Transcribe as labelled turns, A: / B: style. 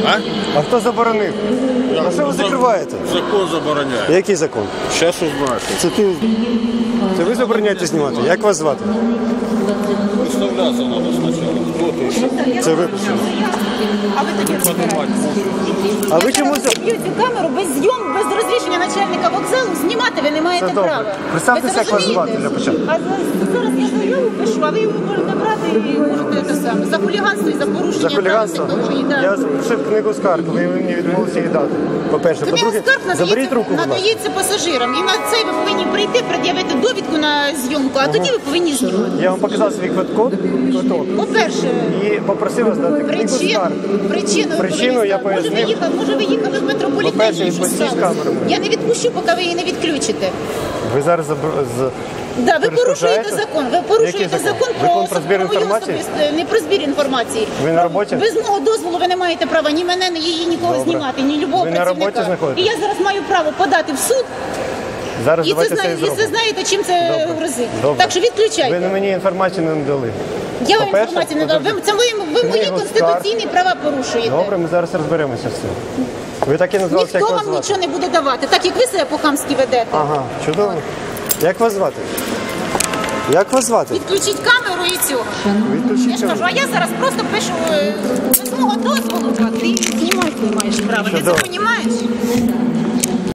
A: А хто заборонив? А що ви закриваєте?
B: Закон забороняє.
A: Який закон?
B: Зараз узнаєте.
A: Це ви забороняєте знімати? Як вас звати?
B: Виставлятися треба спочатку. Хто ти?
A: Це ви.
C: А ви тоді розбираєтеся.
A: А ви чому
C: Б'ють цю камеру без зйомки, без розрішення начальника вокзалу, знімати ви не маєте
A: Це добре.
C: права.
A: Представтеся,
C: Ви
A: як вас
C: розумієте?
A: звати для початку.
C: А зараз я заяву пишу, а ви його можете брати і можете те саме. За хуліганство і за порушення
A: За хуліганство?
C: прав дорожньої, да.
A: Я пишив книгу скарг, ви мені відмовилися її дати. По-перше.
C: Книга
A: По-друге,
C: скарг
A: заберіть руку, будь ласка.
C: надається пасажирам. І на це ви повинні прийти, пред'явити довідку на зйомку, а тоді ви повинні знімати.
A: Я вам показав свій квиток,
C: По-перше,
A: і попросив вас дати книгу скарг.
C: Причину
A: я
C: ви
A: пояснив.
C: Може ви їхали в метрополітені,
A: По-перше,
C: і що
A: відпустіть
C: сталося?
A: камеру мені.
C: Я не відпущу, поки ви її не відключите.
A: Ви зараз
C: Да, ви порушуєте
A: перешкоджаєте?
C: закон. Ви порушуєте
A: Який закон?
C: закон
A: Закон про збір
C: особливо
A: інформації?
C: не про збір інформації.
A: Ви на роботі?
C: Без мого дозволу ви не маєте права ні мене, ні її нікого
A: Добре.
C: знімати, ні любого
A: Ви на
C: працівника.
A: роботі знаходитесь?
C: І я зараз маю право подати в суд.
A: Зараз
C: І
A: давайте це і
C: це
A: зробимо.
C: знаєте, чим це
A: Добре.
C: грозить.
A: Добре.
C: Так що відключайте.
A: Ви мені інформацію не надали.
C: Я вам
A: По-перше,
C: інформацію не дав. Це ви мої
A: книгу
C: конституційні права порушуєте.
A: Добре, ми зараз розберемося з цим. Ви так і назвалися,
C: Ніхто
A: як вас
C: вам
A: звати?
C: нічого не буде давати, так як ви себе по-хамськи ведете.
A: Ага, чудово. Як вас звати? Як вас звати?
C: Відключіть камеру і цього. Я
A: Відключіть
C: ж кажу, а я зараз просто пишу без мого дозволу, а ти знімати не маєш права. Ти це
A: Чудово.
C: розумієш?